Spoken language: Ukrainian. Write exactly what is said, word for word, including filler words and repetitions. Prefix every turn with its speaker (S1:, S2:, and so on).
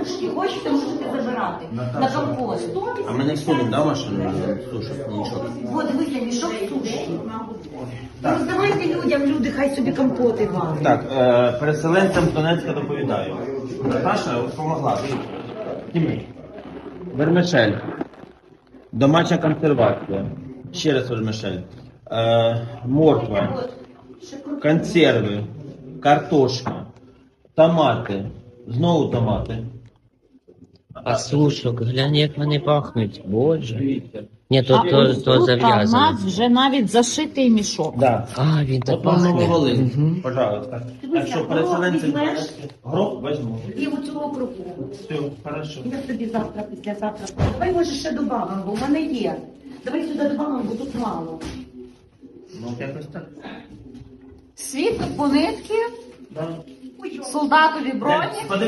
S1: сушки. Хочете, можете забирати. На компост.
S2: А ми не всунемо, да, машину? Сушок, нічого.
S1: От, дивіться, мішок суші. Роздавайте людям, люди хай собі компоти варять.
S2: Так, е, переселенцям з Донецька доповідаю. Наташа допомогла. Тімей. Вермишель. Домашня консервація. Ще раз вермишель. Е, морква. Консерви. Картошка. Томати. Знову томати.
S3: А сушок, глянь, як вони пахнуть. Боже. Ні, то,
S4: А
S3: то,
S4: ось
S3: то
S4: тут, а в
S3: зав'язано.
S4: нас вже навіть зашитий мішок.
S2: Да.
S3: А, він так
S2: От вам
S3: пахне.
S2: Нововолинськ,
S3: Мгм.
S2: пожалуйста.
S1: Дивися,
S2: Так що
S1: горох
S2: переселенці...
S1: візьмеш?
S2: Гроб візьму.
S1: І оцю округу.
S2: Все, хорошо.
S1: Я тобі завтра, післязавтра. Давай, може, ще добавимо, бо в мене є. Давай сюди добавимо, бо тут мало.
S2: Ну, якось так.
S4: Світло по нитки,
S2: Да.
S4: солдатові броні.
S2: Е,